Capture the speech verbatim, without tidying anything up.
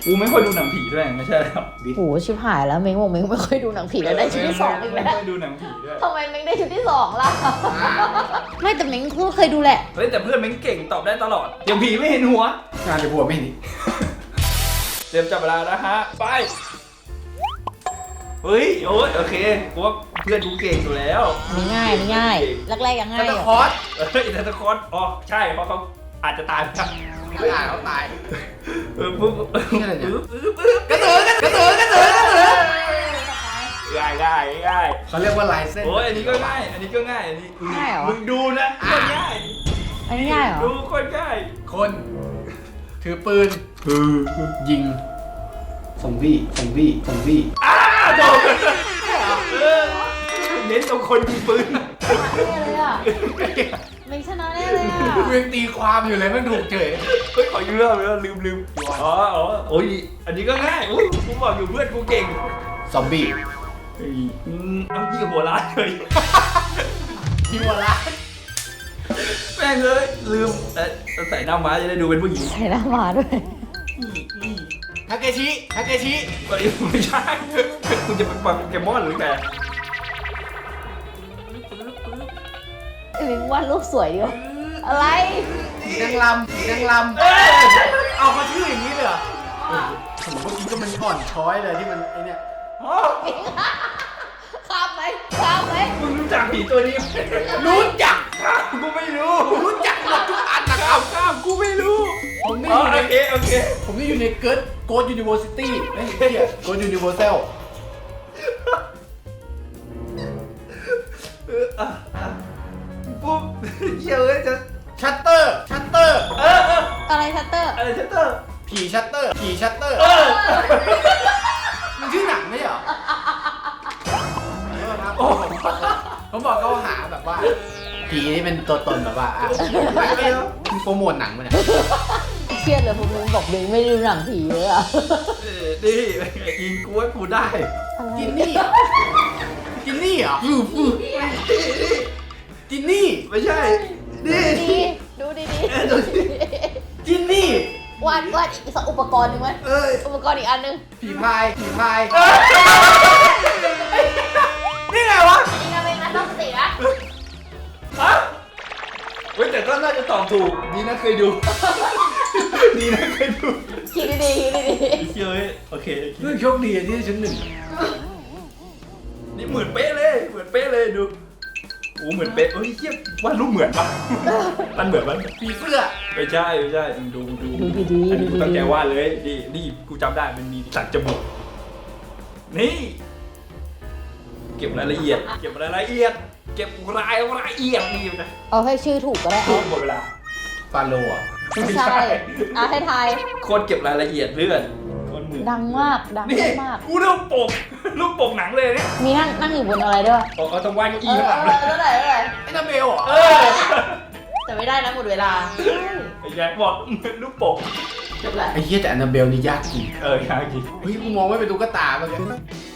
กูไม่ค่อยดูหนังผีด้วยไม่ใช่แล้วโหชิบหายแล้วเม้งบอกเม้งไม่ค่อยดูหนังผีแล้วได้ชุดที่สองอีกแล้วไม่ค่อยดูหนังผีด้วยทำไมเม้งได้ชุดที่สองล่ะไม่แต่เม้งก็เคยดูแหละเฮ้ยแต่เพื่อนเม้งเก่งตอบได้ตลอดอย่างผีไม่เห็นหัวงานจะบัวไม่เห็นเตรียมจับเวลานะฮะไปเฮ้ยโอ้ยโอเคกูว่าเพื่อนกูเก่งอยู่แล้วไม่ง่ายไม่ง่ายแรกๆยังง่ายตะอยู่คอสเฮ้ยแต่ตะคอนอ๋อใช่เพราะเขาอาจจะตายครับไม่อ่านเขาตายเออปุ๊บนี่อะไรเนี่ยปึ๊บปึ๊บปึ๊บกระสือกระสือกระสือกระสือง่ายง่ายง่ายเขาเรียกว่าลายเส้นโอ้ยอันนี้ก็ง่ายอันนี้ก็ง่ายอันนี้ง่ายเหรอมึงดูนะโคนง่ายอันนี้ง่ายเหรอดูโคนง่ายคนถือปืนยิงซอมบี้ซอมบี้ซอมบี้อ้าวโดนเออเน้นตรงคนยิงปืนชนะแน่เลยอ่ะเม้งชนะแน่เลยอ่ะกูยังตีความอยู่เลยไม่ถูกเฉยเฮ้ยขอยืมเรื่องไปแล้วลืมลืมอ๋ออ๋อโอ้ยอันนี้ก็ง่ายอุ้ยกูบอกอยู่เพื่อนกูเก่งซอมบี้เฮ้ยอืมเอายี่หัวร้านเลยที่วัวละแม่งเลยลืมเอ๊ะใส่หน้าม้าจะได้ดูเป็นผู้หญิงใส่หน้ามาด้วยทาเกชิทาเกชิไม่ใช่คุณจะเป็นโปเกมอนหรือไงเม้งวาดรูปสวยดีวะอะไรผีนางลำผีนางลำเอาเขาชื่ออย่างนี้เลยเหรอผมเมื่อกี้ก็มันอ่อนช้อยเลยที่มันไอเนี่ยอ๋อข้ามไหมข้ามไหมมึงรู้จักผีตัวนี้ไหมรู้จักข้ามกูไม่รู้รู้จักหมดทุกอันนะคข้ารับมข้ามกูไม่รู้ผมนี่อ๋ออยู่ในโอเคโอเคผมนี่อยู่ในเกิร์ดโกดยูนิเวอร์ซิตี้ไม่ใช่เกียโกดยูนิเวอร์แซลเอออ่ะอ่ะปุ๊บเหี้ยเอ้ยจะชัตเตอร์ชัตเตอร์เออเอออะไรชัตเตอร์อะไรชัตเตอร์ผีชัตเตอร์ผีชัตเตอร์เออมันชื่อหนังไม่ใช่เหรอเออครับโอ้ผมบอกเขาหาแบบว่าผีนี่เป็นตัวตนแบบว่าอ่ะไม่ไม่มีโปรโมทหนังมาเนี่ยเครียดเลยผมเม้งบอกเม้งไม่ดูหนังผีเลยอ่ะเออนี่อิงกูให้กูได้จินนี่เหรอจินนี่เหรอจินนี่ไม่ใช่นี่ดีดูดีดีเออดูดิจินนี่วาดวาดอีกสักอุปกรณ์หนึ่งไหมเอ้ยอุปกรณ์อีกอันหนึงผีพายผีพายนี่ไงวะนี่นะเม้งนะต้องสตินะฮะเว้ยแต่ก็น่าจะตอบถูกดีนะเคยดูดีนะเคยดูคิดดีๆคิดดีเชื่อเว้ยโอเคโอเคเรื่องโชคดีที่ได้ชั้นหนึ่งนี่เหมือนเป๊ะเลยเหมือนเป๊ะเลยดูโอ้เหมือนเป๊ะเฮ้ยเทียบว่ารูปเหมือนปะมันเหมือนปะผีเสื้อไม่ใช่ไม่ใช่มึงดูดูๆดูดีๆอันดูนี้กูดีตั้งใจวาดเลยนี่นี่กูจำได้มันมีสักจมูกนี่ เก็บรายละเอียด เก็บรายละเอียด เก็บรายละเอียดนี่นะๆเอาให้ชื่อถูกก็ได้เอาหมดเวลาฟาโลอ่ะไม่ใช่อ่ะให้ทายโคตรเก็บรายละเอียดเลือดโคตรมือดังมากดังนี่มากกูรูปปกรูปปกหนังเลยเนี่ยมีนั่งนั่งอยู่บนอะไรด้วยโอ้เขาต้องวาดเก้าเออี้อข้างหเอลังอเลยเท่าไหร่เท่าไหร่ไอ้นาเบลเหรอเออแต่ไม่ได้นะหมดเวลาไอ้แจ็คบอกรูปปกจบแล้วไอ้เหี้ยแต่แอนนาเบลนี่ยากจริงเออยากจริงเฮ้ยกูมองไม่เป็นตุ๊กตาเมื่อกี้